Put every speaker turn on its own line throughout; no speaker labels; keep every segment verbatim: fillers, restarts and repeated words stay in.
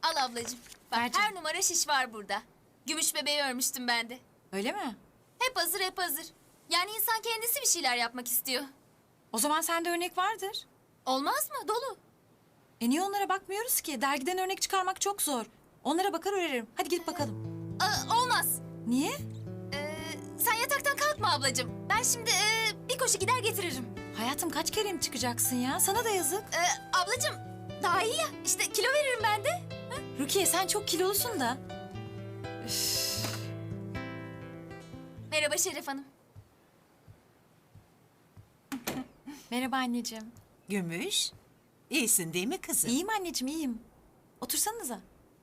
Al ablacığım. Bak
Ver canım.
her numara şiş var burada. Gümüş bebeği örmüştüm ben de.
Öyle mi?
Hep hazır hep hazır. Yani insan kendisi bir şeyler yapmak istiyor.
O zaman sende örnek vardır.
Olmaz mı? Dolu.
E niye onlara bakmıyoruz ki? Dergiden örnek çıkarmak çok zor. Onlara bakar öğrenirim. Hadi gidip bakalım.
Aa, olmaz.
Niye?
Ee, sen yataktan kalkma ablacığım. Ben şimdi ee, bir koşu gider getiririm.
Hayatım kaç kere mi çıkacaksın ya? Sana da yazık.
Ee, ablacığım daha iyi ya. İşte kilo veririm ben de.
Rukiye sen çok kilolusun da.
Merhaba Şeref Hanım.
Merhaba anneciğim.
Gümüş, iyisin değil mi kızım?
İyiyim anneciğim iyiyim. Otursanıza.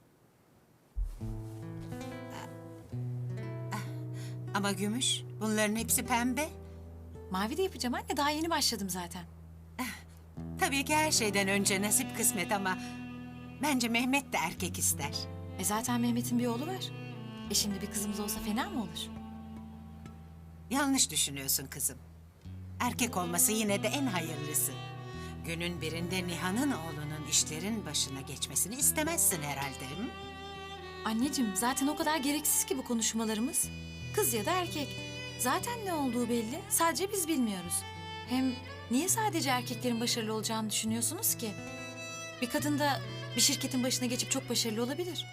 Ama Gümüş, bunların hepsi pembe.
Mavi de yapacağım anne. Daha yeni başladım zaten.
Tabii ki her şeyden önce nasip kısmet ama... bence Mehmet de erkek ister.
E zaten Mehmet'in bir oğlu var. E şimdi bir kızımız olsa fena mı olur?
Yanlış düşünüyorsun kızım. Erkek olması yine de en hayırlısı. Günün birinde Nihan'ın oğlunun işlerin başına geçmesini istemezsin herhalde. Hı?
Anneciğim zaten o kadar gereksiz ki bu konuşmalarımız. Kız ya da erkek. Zaten ne olduğu belli. Sadece biz bilmiyoruz. Hem niye sadece erkeklerin başarılı olacağını düşünüyorsunuz ki? Bir kadın da bir şirketin başına geçip çok başarılı olabilir.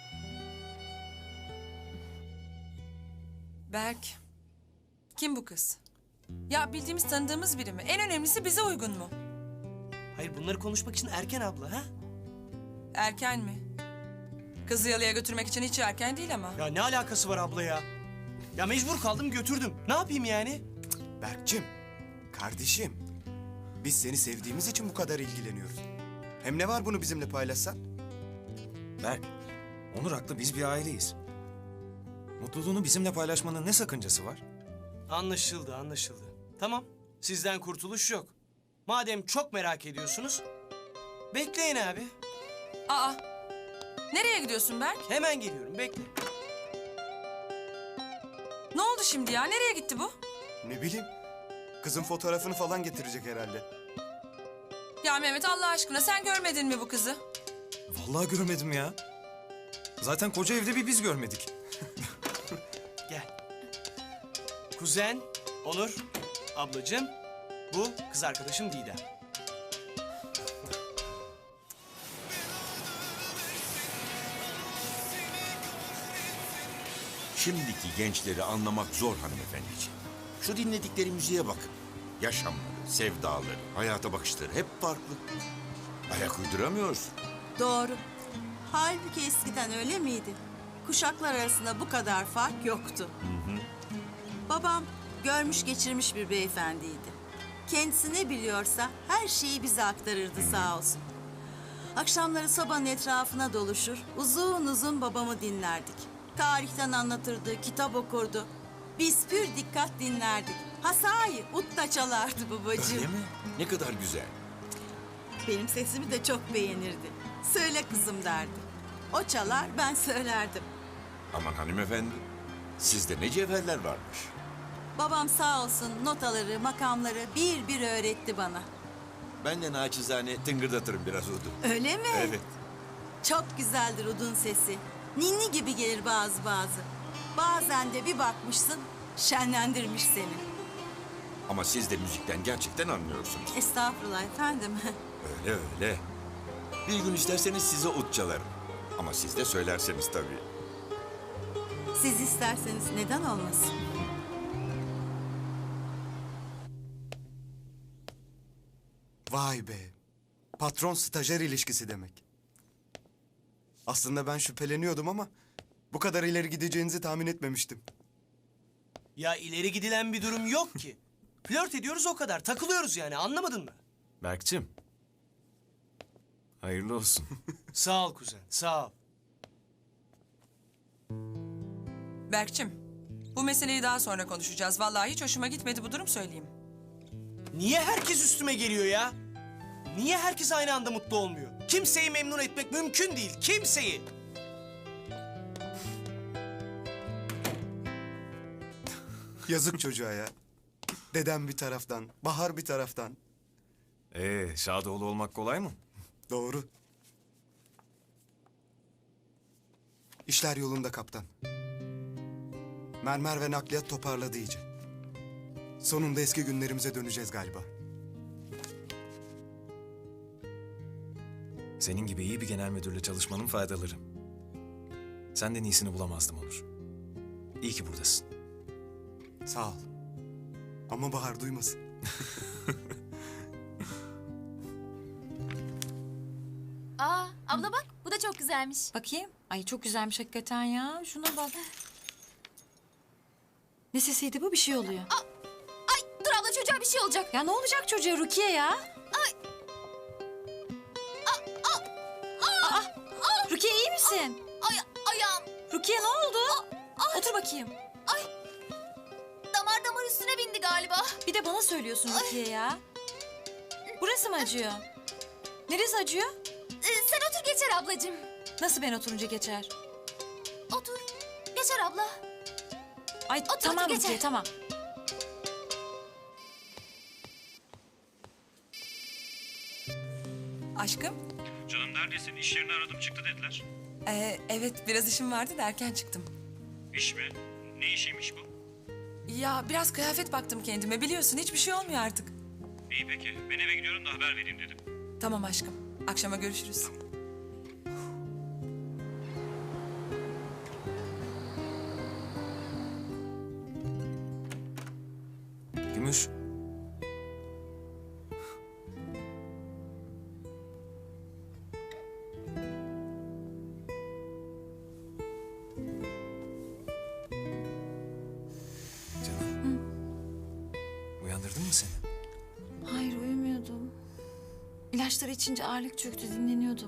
Berk. Kim bu kız? Ya bildiğimiz tanıdığımız biri mi? En önemlisi bize uygun mu?
Hayır bunları konuşmak için erken abla ha?
Erken mi? Kızı yalıya götürmek için hiç erken değil ama.
Ya ne alakası var abla ya? Ya mecbur kaldım götürdüm. Ne yapayım yani?
Berk'cim, kardeşim. Biz seni sevdiğimiz için bu kadar ilgileniyoruz. Hem ne var bunu bizimle paylaşsan?
Berk, Onur haklı, biz bir aileyiz. Mutluluğunu bizimle paylaşmanın ne sakıncası var?
Anlaşıldı anlaşıldı. Tamam sizden kurtuluş yok. Madem çok merak ediyorsunuz bekleyin abi.
Aa. Nereye gidiyorsun Berk?
Hemen geliyorum bekle.
Ne oldu şimdi ya? Nereye gitti bu?
Ne bileyim, kızın fotoğrafını falan getirecek herhalde.
Ya Mehmet Allah aşkına sen görmedin mi bu kızı?
Vallahi görmedim ya. Zaten koca evde bir biz görmedik.
Gel. Kuzen, Onur, ablacığım, bu kız arkadaşım Didem.
Şimdiki gençleri anlamak zor hanımefendiciğim. Şu dinledikleri müziğe bakın. Yaşamları, sevdaları, hayata bakışları hep farklı. Ayak uyduramıyoruz.
Doğru. Halbuki eskiden öyle miydi? Kuşaklar arasında bu kadar fark yoktu. Hı hı. Babam görmüş geçirmiş bir beyefendiydi. Kendisi ne biliyorsa her şeyi bize aktarırdı hı hı. Sağ olsun. Akşamları sobanın etrafına doluşur, uzun uzun babamı dinlerdik. Tarihten anlatırdı, kitap okurdu. Biz pür dikkat dinlerdik. Ha sahi, ut da çalardı babacığım.
Öyle mi? Ne kadar güzel.
Benim sesimi de çok beğenirdi. Söyle kızım derdi. O çalar, ben söylerdim.
Aman hanımefendi, sizde ne cevherler varmış.
Babam sağ olsun notaları, makamları bir bir öğretti bana.
Ben de naçizane tıngırdatırım biraz udu.
Öyle mi?
Evet.
Çok güzeldir udun sesi. Ninni gibi gelir bazı bazı. Bazen de bir bakmışsın, şenlendirmiş seni.
Ama siz de müzikten gerçekten anlıyorsunuz.
Estağfurullah efendim.
Öyle öyle. Bir gün isterseniz size ut çalarım. Ama siz de söylerseniz tabii.
Siz isterseniz neden olmasın?
Vay be, patron stajyer ilişkisi demek. Aslında ben şüpheleniyordum ama bu kadar ileri gideceğinizi tahmin etmemiştim.
Ya ileri gidilen bir durum yok ki. Flört ediyoruz o kadar. Takılıyoruz yani anlamadın mı?
Berk'cim, hayırlı olsun.
Sağ ol kuzen sağ ol.
Berkçim, bu meseleyi daha sonra konuşacağız. Vallahi hiç hoşuma gitmedi bu durum söyleyeyim.
Niye herkes üstüme geliyor ya? Niye herkes aynı anda mutlu olmuyor? Kimseyi memnun etmek mümkün değil. Kimseyi.
Yazık çocuğa ya. Dedem bir taraftan, Bahar bir taraftan.
Ee, Şadoğlu olmak kolay mı?
Doğru. İşler yolunda kaptan. Mermer ve nakliyat toparladı iyice. Sonunda eski günlerimize döneceğiz galiba.
Senin gibi iyi bir genel müdürle çalışmanın faydaları. Senden iyisini bulamazdım Onur. İyi ki buradasın.
Sağ ol. Ama Bahar duymasın.
Aa abla bak bu da çok güzelmiş.
Bakayım. Ay çok güzelmiş hakikaten ya. Şuna bak. Ne sesiydi bu? Bir şey oluyor.
Ay dur abla çocuğa bir şey olacak.
Ya ne olacak çocuğa Rukiye ya? Aa, Rukiye iyi misin?
Ay ayağım.
Rukiye ne oldu? Otur bakayım.
Ay damar damar üstüne bindi galiba.
Bir de bana söylüyorsun Rukiye ya. Burası mı acıyor? Neresi acıyor?
Ee, sen otur geçer ablacığım.
Nasıl ben oturunca geçer?
Otur. Geçer abla.
Ay
Otur,
tamam
otur,
Rukiye
geçer.
tamam.
Aşkım.
Canım neredesin? İş yerini aradım çıktı dediler.
Ee, evet biraz işim vardı da erken çıktım.
İş mi? Ne işiymiş bu?
Ya biraz kıyafet baktım kendime biliyorsun hiçbir şey olmuyor artık.
İyi peki. Ben eve gidiyorum da haber vereyim dedim.
Tamam aşkım. Akşama görüşürüz.
Gümüş. Canım. Uyandırdın mı seni?
Hayır uyumuyordum. İlaçları içince ağırlık çöktü dinleniyordum.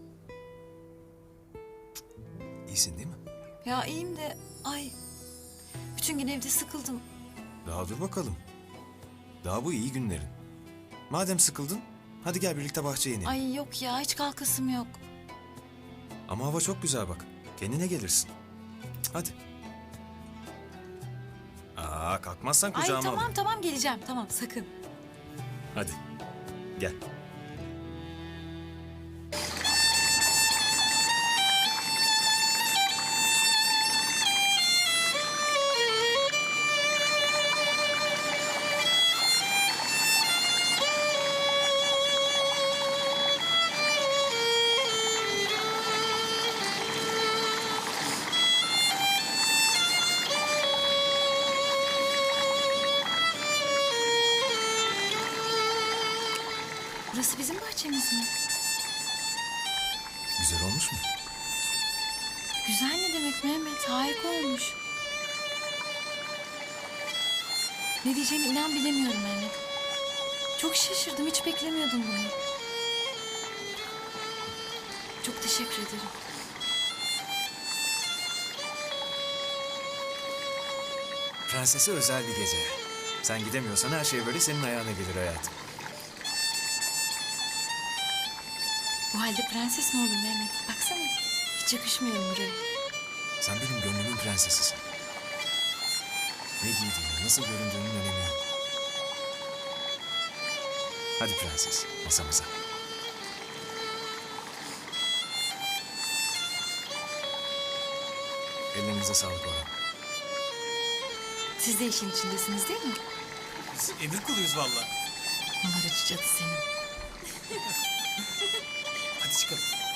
İyisin değil mi?
Ya iyiyim de ay bütün gün evde sıkıldım.
Daha dur bakalım. Daha bu iyi günlerin. Madem sıkıldın, hadi gel birlikte bahçeye inelim.
Ay yok ya hiç kalkasım yok.
Ama hava çok güzel bak. Kendine gelirsin. Hadi. Aa, kalkmazsan
Ay
kucağıma
tamam
alayım.
tamam geleceğim tamam sakın.
Hadi. Gel.
Burası bizim bahçemiz mi?
Güzel olmuş mu?
Güzel ne demek Mehmet? Harika olmuş. Ne diyeceğimi inan bilemiyorum Mehmet. Çok şaşırdım. Hiç beklemiyordum bunu. Çok teşekkür ederim.
Prensese özel bir gece. Sen gidemiyorsan her şey böyle senin ayağına gelir hayatım.
Bu halde prenses mi oldun Mehmet? Baksana. Hiç yakışmıyorum buraya.
Sen benim gönlümün prensesisin. Ne giydiğini, nasıl göründüğünün önemi yok. Hadi prenses, masamıza. Ellerinize sağlık Orhan.
Siz de işin içindesiniz değil mi?
Biz emir kuluyuz valla.
Numaracı cadı senin.
Hadi çıkalım.